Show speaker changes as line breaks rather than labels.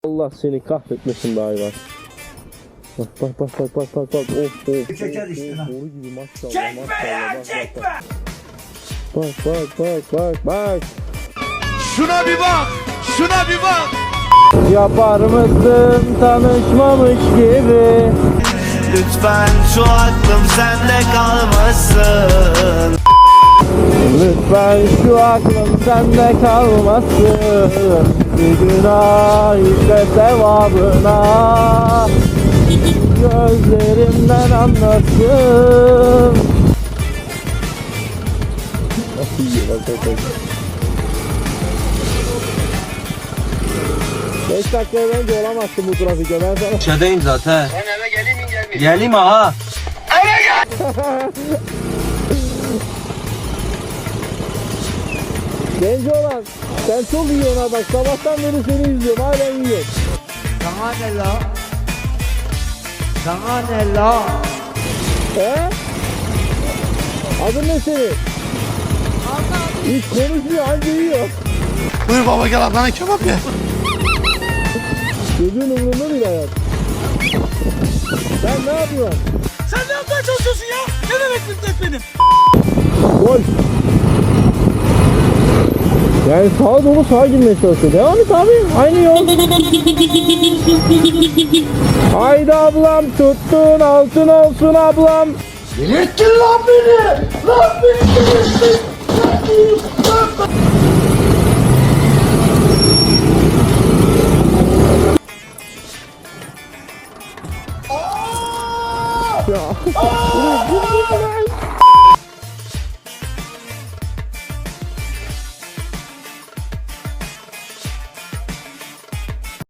Allah seni kahretmesin be hayvan. Bak. Of.
Çeker işte lan.
Boru gibi maşallah.
Çekme ya, çekme.
Bak.
Şuna bir bak. Şuna bir bak.
Yapar mısın tanışmamış gibi?
Lütfen şu aklım sende kalmasın.
Lütfen şu aklım sende kalmasın. Bir günah işte sevabına. Gözlerimden anlasın. Nasıl yiyor bak. 5 dakika önce olamazsın bu trafikte, ben sana.
Şeydeyim zaten.
Ben eve geleyim mi gelmeyeyim?
Geleyim aha.
Genç olan, sen çok yiyorsun ha bak, sabahtan beri seni izliyorum, halen yiyorsun.
Sana ne la? Sana ne la?
He? Adın ne senin? Hiç konuşmuyor, anca yiyor.
Buyur baba gel ablana kebap ye.
Çocuğun umurunda değil hayat. Sen ne yapıyorsun?
Sen ne yapmaya çalışıyorsun ya? Ne demek müddet benim?
Gol. Yani sağa dolu sağa girmeye çalışıyor. Devam et abi. Aynı yol. Haydi ablam, tuttun altın olsun ablam.
Delirttin lan beni! Lan beni delirttin!